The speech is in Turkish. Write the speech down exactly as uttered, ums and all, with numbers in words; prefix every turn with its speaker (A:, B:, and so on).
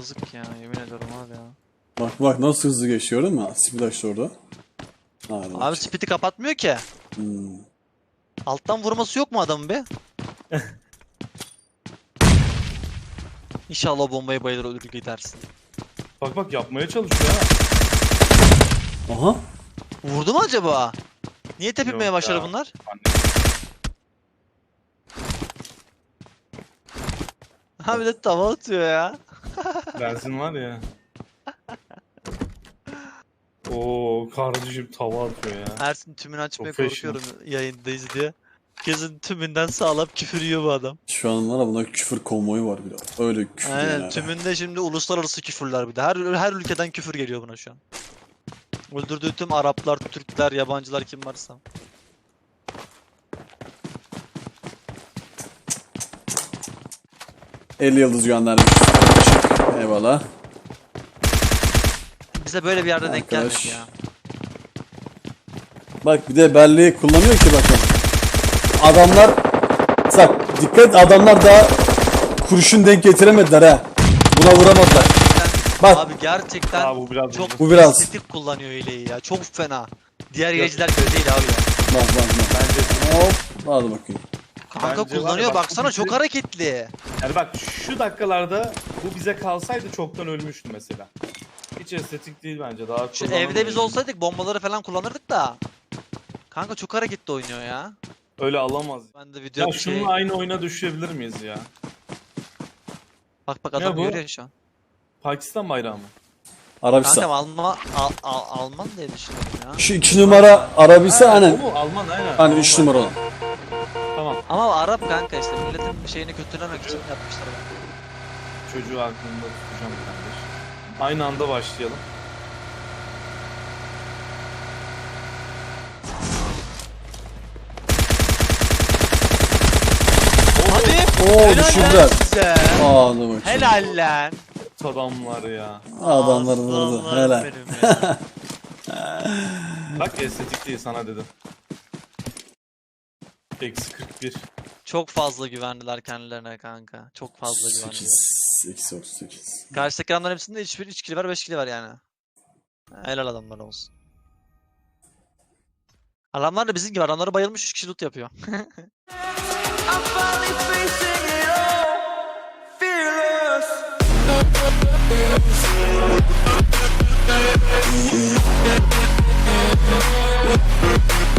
A: yazık ya, yemin ederim abi ya.
B: Bak bak nasıl hızlı geçiyor değil mi? Splash orada. Hadi
A: Abi speed'i kapatmıyor ki.
B: Hmm.
A: Alttan vurması yok mu adamın be? İnşallah o bombayı bayılır ölür gidersin.
C: Bak bak yapmaya çalışıyor ha.
B: Aha.
A: Vurdu mu acaba? Niye tepinmeye
C: Yok
A: başladı
C: ya.
A: bunlar? Ha bir de tava atıyor ya.
C: Benzin var ya. Oo kardeşim tava atıyor ya.
A: Ersin tümünü açmaya
C: Professional.
A: korkuyorum yayındayız diye. Kesin tümünden sağlam küfür yiyor bu adam.
B: Şu an var ya buna küfür konvoyu var biraz. Öyle küfür
A: Aynen
B: yani.
A: tümünde şimdi uluslararası küfürler bir de. Her her ülkeden küfür geliyor buna şu an. Öldürdüğü tüm Araplar, Türkler, yabancılar kim varsa.
B: elli yıldız göndermiş. Eyvallah.
A: Bize böyle bir yerde denk
B: Arkadaş.
A: gelmedi ya.
B: Bak bir de belleği kullanıyor ki bakın. Adamlar bak dikkat adamlar daha kurşun denk getiremediler ha. Buna vuramadılar. Bak.
A: Abi gerçekten
C: Aa, bu biraz
A: çok
B: Bu biraz.
A: estetik kullanıyor hileyi ya. Çok fena. Diğer hileciler böyle değil abi ya.
B: Bak bak bak.
C: Bence,
B: Hop. Hadi bakayım.
A: Kanka
C: Bence var ya,
A: kullanıyor
C: bak,
A: baksana
C: bu
A: çok
C: bizi-
A: hareketli.
C: yani bak şu dakikalarda bu bize kalsaydı çoktan ölmüştü mesela. Hiç estetik değil bence. Daha
A: Şu
C: kullanılmıyor.
A: evde biz olsaydık bombaları falan kullanırdık da. Kanka çok hareketli oynuyor ya.
C: Öyle alamaz.
A: Ben de video
C: Ya
A: bir şey...
C: şununla aynı oyuna düşebilir miyiz ya?
A: Bak bak
C: Ne
A: adam
C: bu?
A: görüyor şu an.
C: Pakistan bayrağı mı?
B: Arabistan.
A: Kankam Alman, Al, Al, Alman diye düşünüyorum ya.
B: Şu iki numara Arabistan
C: Ha,
B: hani.
C: o mu? Alman aynen.
B: Hani üç
C: Alman.
B: numara olan.
C: Tamam.
A: Ama Arap kanka işte milletin şeyini kötülemek için yapmışlar bunu.
C: Çocuğu aklımda tutacağım kardeş. Aynı anda başlayalım.
A: Hadi.
B: Oo
A: Helal
B: düşürdüler.
A: lan size.
B: Hadi bakayım.
A: Helal lan.
C: Adamlar ya.
B: Adamlar vurdu.
A: Aslanlarım
B: Helal.
A: benim ya.
C: Bak estetik değil sana dedim. Eksi kırk bir.
A: Çok fazla güvendiler kendilerine kanka. Çok fazla güvendiler.
B: sekiz. Eksi otuz sekiz.
A: Karşıdaki adamların hepsinde üç bir üç kill var, beş kill var yani. Helal adamlar olsun. Adamlar da bizim gibi adamları bayılmış üç kişi loot yapıyor.
D: I'm finally facing it all, fearless.